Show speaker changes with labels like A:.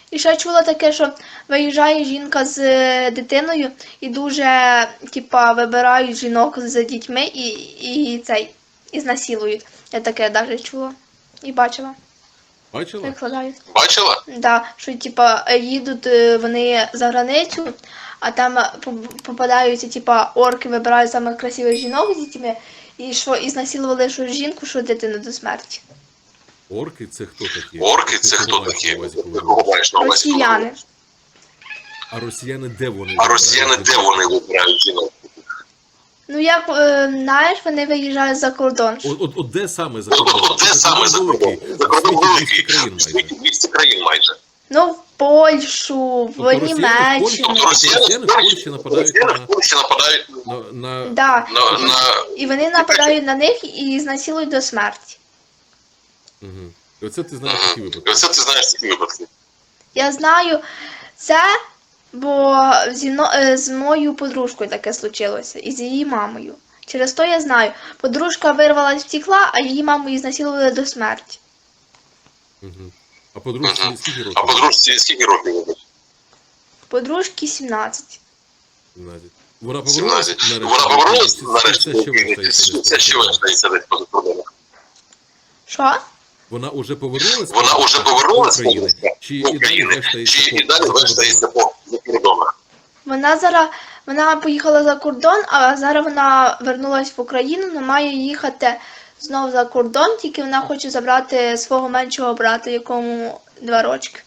A: І ще чула таке, що виїжджає жінка з дитиною і дуже, типа, вибирають жінок з дітьми і знасилують. Я таке навіть чула і бачила.
B: Бачила?
A: Викладають. Бачила? Да, що типа їдуть вони за границю, а там попадаються, типа, орки вибирають самих красивих жінок з дітьми, і знасилували що жінку, що дитину до смерті.
B: Орки це хто такі?
C: Орки це хто такі?
A: Росіяни.
B: А росіяни де вони?
C: А росіяни де вони вибирають жінок?
A: Ну як, знаєш, вони виїжджають за кордон.
B: От де саме за кордон?
C: Де саме за кордон? За кордон великий, в світі 200 країн майже.
A: Ну, в Польщу, в Німеччину.
B: Тобто росіяни в Польщі нападають на...
A: Да. І вони нападають на них і знасилують до смерті.
B: Угу. І оце ти знаєш такі випадки?
C: Оце ти знаєш такі випадки.
A: Я знаю це, бо з моєю подружкою таке случилося, і з її мамою. Через то я знаю. Подружка вирвалась, втекла, а її маму її знасилували до смерті.
B: Угу. А подружці скільки років?
C: А подружці скільки років?
A: Подружки 17.
B: 17. Вона
C: 17.
B: повернулася
C: Вона повернулася
B: нарешті?
C: нарешті? Це ще вештається десь поза кордоном.
A: Що?
B: Вона уже повернулася?
C: Вона вже повернулася
B: до України? Чи і далі
C: вештається по кордонах?
A: Вона поїхала за кордон, а зараз вона вернулась в Україну, але має їхати знову за кордон, тільки вона хоче забрати свого меншого брата, якому 2 рочки.